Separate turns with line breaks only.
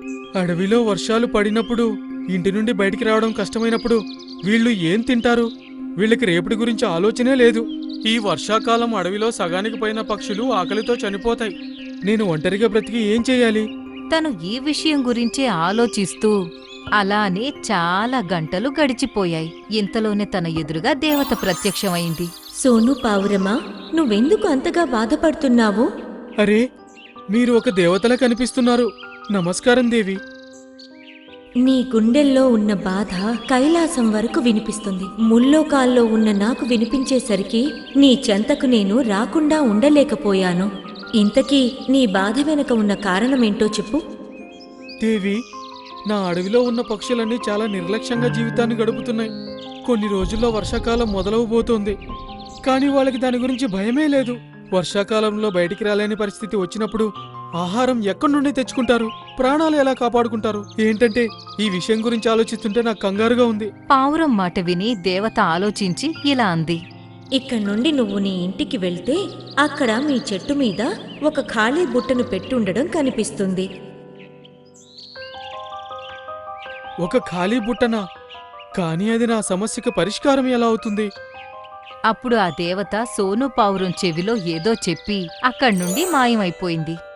అడవిలో వర్షాలు పడినప్పుడు, ఇంటి నుండి బయటికి రావడం కష్టమైనప్పుడు వీళ్ళు ఏం తింటారు? వీళ్ళకి రేపటి గురించి ఆలోచనే లేదు. ఈ వర్షాకాలం అడవిలో సగానికి పైన పక్షులు ఆకలితో చనిపోతాయి. నేను ఒంటరిగా బ్రతికి ఏం చెయ్యాలి?
తను ఈ విషయం గురించే ఆలోచిస్తూ అలానే చాలా గంటలు గడిచిపోయాయి. ఇంతలోనే తన ఎదురుగా దేవత ప్రత్యక్షమైంది.
సోను పావురమా, నువ్వెందుకు అంతగా బాధపడుతున్నావు?
అరే, మీరు ఒక దేవతలా కనిపిస్తున్నారు. నమస్కారం దేవి.
నీ గుండెల్లో ఉన్న బాధ కైలాసం వరకు వినిపిస్తుంది. ముల్లోకాల్లో ఉన్న నాకు వినిపించేసరికి నీ చెంతకు నేను రాకుండా ఉండలేకపోయాను. ఇంతకీ నీ బాధ వెనక ఉన్న కారణమేంటో చెప్పు.
దేవి, నా అడవిలో ఉన్న పక్షులన్నీ చాలా నిర్లక్ష్యంగా జీవితాన్ని గడుపుతున్నాయి. కొన్ని రోజుల్లో వర్షాకాలం మొదలవబోతోంది. కానీ వాళ్ళకి దాని గురించి భయమే లేదు. వర్షాకాలంలో బయటికి రాలేని పరిస్థితి వచ్చినప్పుడు ఆహారం ఎక్కడి నుండి తెచ్చుకుంటారు? ప్రాణాలు ఎలా కాపాడుకుంటారు? ఏంటంటే ఈ విషయం గురించి ఆలోచిస్తుంటే నాకు కంగారుగా ఉంది.
పావురం మాట విని దేవత ఆలోచించి ఇలా అంది.
ఇక్కడి నుండి నువ్వు నీ ఇంటికి వెళ్తే అక్కడ మీ చెట్టు మీద ఒక ఖాళీ బుట్టను పెట్టుండడం కనిపిస్తుంది.
ఒక ఖాళీ బుట్టనా? కానీ అది నా సమస్యకు పరిష్కారం ఎలా అవుతుంది?
అప్పుడు ఆ దేవత సోను పావురం చెవిలో ఏదో చెప్పి అక్కడ్నుండి మాయమైపోయింది.